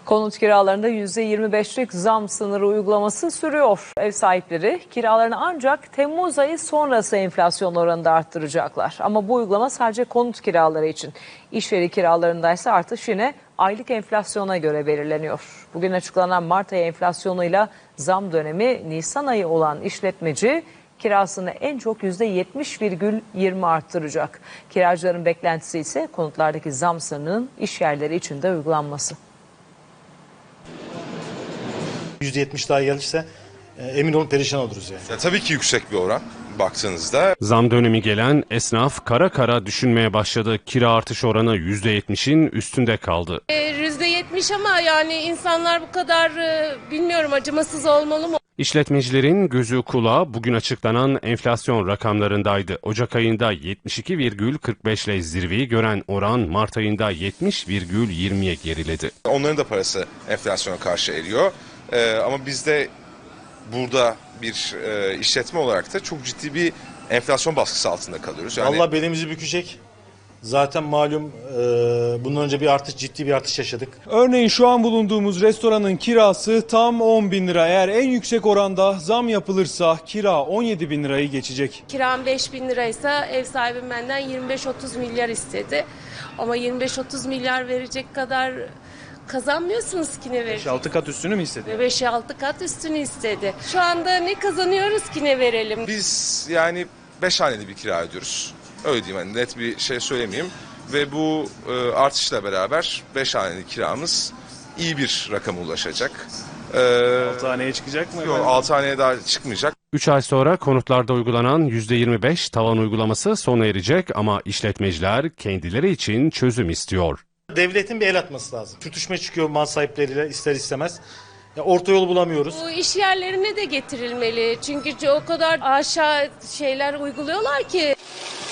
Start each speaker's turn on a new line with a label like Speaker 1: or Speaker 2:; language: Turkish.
Speaker 1: Konut kiralarında %25'lik zam sınırı uygulaması sürüyor. Ev sahipleri kiralarını ancak Temmuz ayı sonrası enflasyon oranında arttıracaklar. Ama bu uygulama sadece konut kiraları için. İş yeri kiralarındaysa artış yine aylık enflasyona göre belirleniyor. Bugün açıklanan Mart ayı enflasyonuyla zam dönemi Nisan ayı olan işletmeci kirasını en çok %70,20 arttıracak. Kiracıların beklentisi ise konutlardaki zam sınırının iş yerleri için de uygulanması.
Speaker 2: %70 daha gelirse emin olun perişan oluruz yani.
Speaker 3: Ya tabii ki yüksek bir oran baktığınızda.
Speaker 4: Zam dönemi gelen esnaf kara kara düşünmeye başladı. Kira artış oranı %70'in üstünde kaldı.
Speaker 5: %70 ama yani insanlar bu kadar bilmiyorum acımasız olmalı mı?
Speaker 4: İşletmecilerin gözü kulağı bugün açıklanan enflasyon rakamlarındaydı. Ocak ayında 72,45 ile zirveyi gören oran Mart ayında 70,20'ye geriledi.
Speaker 3: Onların da parası enflasyona karşı eriyor. Ama biz de burada bir işletme olarak da çok ciddi bir enflasyon baskısı altında kalıyoruz. Yani...
Speaker 2: Allah belimizi bükecek. Zaten malum bundan önce ciddi bir artış yaşadık.
Speaker 6: Örneğin şu an bulunduğumuz restoranın kirası tam 10.000 lira. Eğer en yüksek oranda zam yapılırsa kira 17.000 lirayı geçecek.
Speaker 5: Kiram 5.000 liraysa ev sahibim benden 25-30 milyar istedi. Ama 25-30 milyar verecek kadar kazanmıyorsunuz ki ne verecek?
Speaker 6: 5-6 kat üstünü mü istedi?
Speaker 5: 5-6 kat üstünü istedi. Şu anda ne kazanıyoruz ki ne verelim?
Speaker 3: Biz yani 5 haneli bir kira ödüyoruz. Öyle diyeyim, hani net bir şey söylemeyeyim. Ve bu artışla beraber 5 haneli kiramız iyi bir rakama ulaşacak.
Speaker 6: 6 haneye çıkacak mı?
Speaker 3: Yok, 6 haneye daha çıkmayacak.
Speaker 4: 3 ay sonra konutlarda uygulanan %25 tavan uygulaması sona erecek ama işletmeciler kendileri için çözüm istiyor.
Speaker 2: Devletin bir el atması lazım. Sürtüşme çıkıyor mal sahipleriyle ister istemez. Ya orta yol bulamıyoruz.
Speaker 5: Bu iş yerlerine de getirilmeli. Çünkü o kadar aşağı şeyler uyguluyorlar ki.